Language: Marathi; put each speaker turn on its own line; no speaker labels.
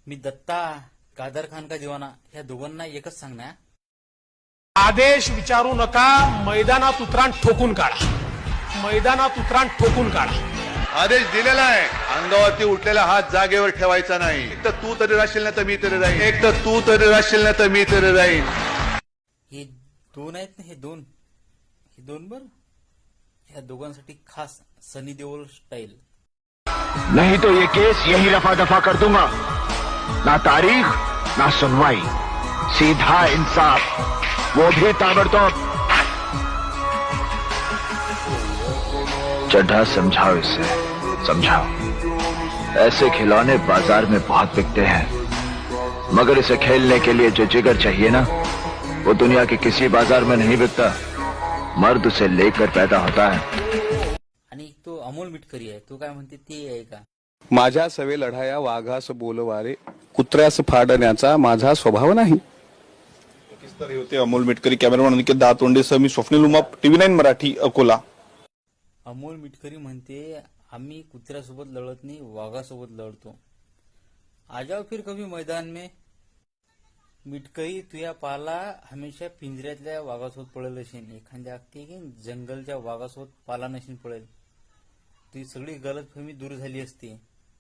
मी दत्ता कादर खान का दिवाना ह्या दोघांना एकच सांगणार,
आदेश विचारू नका, मैदानात उतरान ठोकून काढा, मैदानात उतरान ठोकून काढा.
आदेश दिलेला आहे. अंगावरती उठलेला हात जागेवर ठेवायचा नाही. एक तर तू तरी राहशील ना तर मी तरी राहीन, एक तर तू तरी राहशील ना तर मी तरी राहीन.
हे दोन आहेत ना, हे दोन बर ह्या दोघांसाठी खास सनी देओल स्टाईल.
नहीं तो ये केस यही रफा दफा कर दूंगा. ना तारीख ना सुनवाई, सीधा इंसाफ, वो भी ताबड़तोड़. चड्ढा समझाओ इसे, समझाओ. ऐसे खिलौने बाजार में बहुत बिकते हैं, मगर इसे खेलने के लिए जो जिगर चाहिए ना, वो दुनिया के किसी बाजार में नहीं बिकता. मर्द उसे लेकर पैदा होता है.
आणि तो अमोल मिटकरी आहे, तो काय म्हणते ते आहे का?
माझ्या सवे लढाया वाघास बोलवारे, कुत्र्यास फाडण्याचा माझा स्वभाव नाही. तर होते अमोल मिटकरी, कॅमेरामॅन अनिकेत दातोंडेसह मी स्वप्नील उमाप, TV9 मराठी, अकोला.
अमोल मिटकरी म्हणते आम्ही कुत्र्यासोबत लढत नाही, वाघासोबत लढतो. आ जाओ फिर कभी मैदान में. मिटकरी तुया पाला हमेशा पिंजऱ्यातल्या वाघासोबत पळेल असेल, एखाद्या की जंगलच्या वाघासोबत पाला नशीन पळेल. ती सगळी गलतफहमी दूर झाली असती.